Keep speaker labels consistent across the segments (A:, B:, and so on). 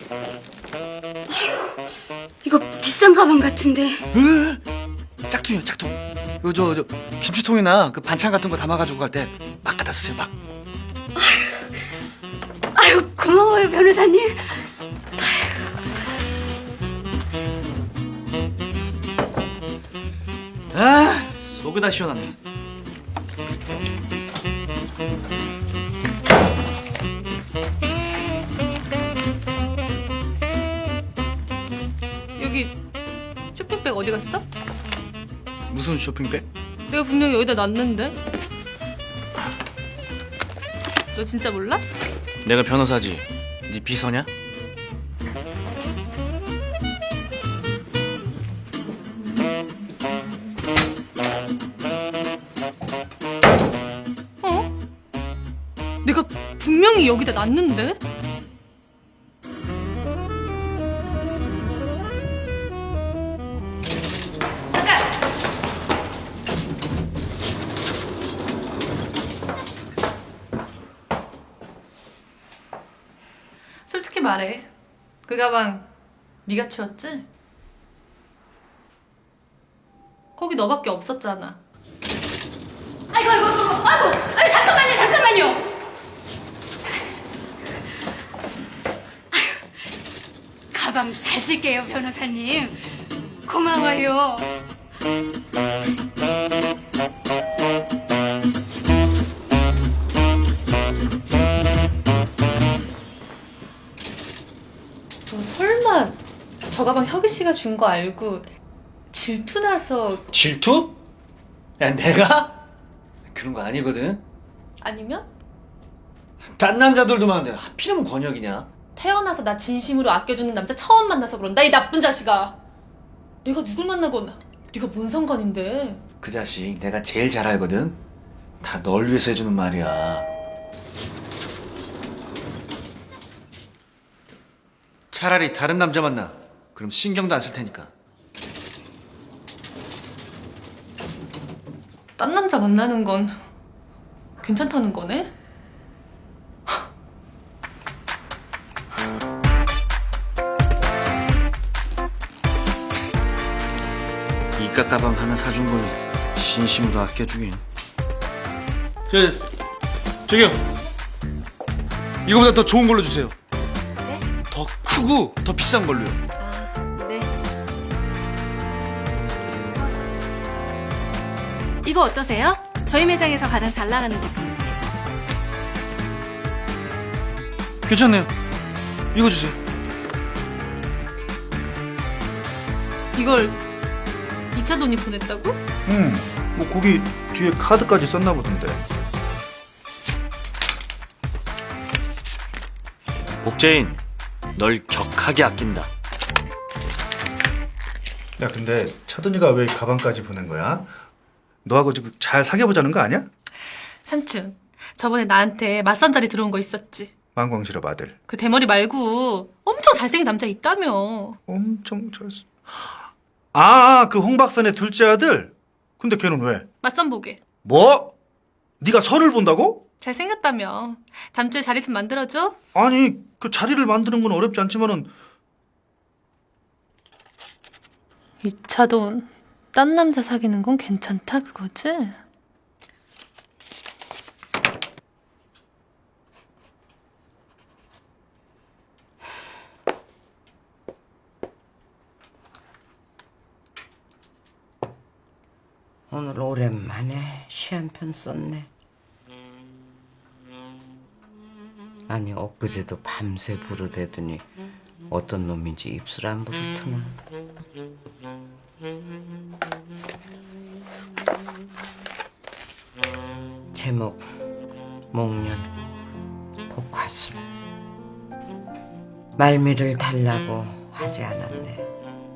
A: 이거 비싼 가방 같은데.
B: 짝퉁이요, 짝퉁. 이거 저 김치통이나 그 반찬 같은 거 담아가지고 갈 때 막 갖다 쓰세요, 막.
A: 아유, 고마워요, 변호사님.
B: 아, 속이 다 시원하네.
C: 여기 쇼핑백 어디 갔어?
B: 무슨 쇼핑백?
C: 내가 분명히 여기다 놨는데. 너 진짜 몰라?
B: 내가 변호사지. 네 비서냐?
C: 어? 내가 분명히 여기다 놨는데? 솔직히 말해. 그 가방 네가 치웠지? 거기 너밖에 없었잖아.
A: 아이고, 아유, 잠깐만요. 아유, 가방 잘 쓸게요, 변호사님. 고마워요.
C: 너 설마 저 가방 혁이 씨가 준 거 알고 질투나서
B: 질투? 야, 내가? 그런 거 아니거든.
C: 아니면
B: 딴 남자들도 많은데 하필이면 권혁이냐?
C: 태어나서 나 진심으로 아껴주는 남자 처음 만나서 그런다 이 나쁜 자식아. 내가 누굴 만나건 네가 뭔 상관인데.
B: 그 자식 내가 제일 잘 알거든. 다 널 위해서 해주는 말이야. 차라리 다른 남자 만나. 그럼 신경도 안 쓸 테니까.
C: 딴 남자 만나는 건 괜찮다는 거네?
B: 이깟 가방 하나 사준 걸 진심으로 아껴주긴. 저기요. 이거보다 더 좋은 걸로 주세요.
A: 네?
B: 더 크고 더 비싼 걸로요.
A: 아, 네. 이거 어떠세요? 저희 매장에서 가장 잘 나가는 제품인데.
B: 괜찮네요. 이거 주세요.
C: 이걸 2차 돈이 보냈다고?
D: 뭐 거기 뒤에 카드까지 썼나 보던데.
B: 복제인, 널 격하게 아낀다.
D: 야, 근데 차돈이가 왜 가방까지 보낸 거야? 너하고 지금 잘 사귀어보자는 거 아니야?
C: 삼촌, 저번에 나한테 맞선 자리 들어온 거 있었지?
D: 망광실업 아들.
C: 그 대머리 말고 엄청 잘생긴 남자 있다며.
D: 엄청 잘. 아, 그 홍박산의 둘째 아들. 근데 걔는 왜?
C: 맞선 보게.
D: 뭐? 네가 선을 본다고?
C: 잘생겼다며. 다음 주에 자리 좀 만들어줘.
D: 아니, 그 자리를 만드는 건 어렵지 않지만은
C: 2차 돈, 딴 남자 사귀는 건 괜찮다 그거지?
E: 오늘 오랜만에 시 한 편 썼네. 아니 엊그제도 밤새 부르대더니 어떤 놈인지 입술 안 부르트나. 제목 목련 복화술. 말미를 달라고 하지 않았네.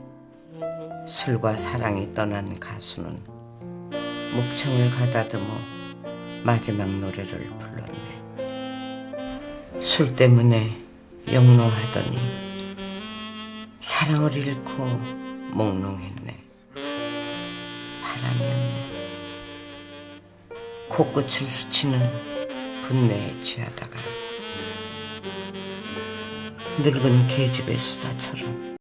E: 술과 사랑이 떠난 가수는 목청을 가다듬어 마지막 노래를 불렀네. 술 때문에 영롱하더니 사랑을 잃고 몽롱했네. 바람이었네. 코끝을 스치는 분내에 취하다가 늙은 계집애 수다처럼.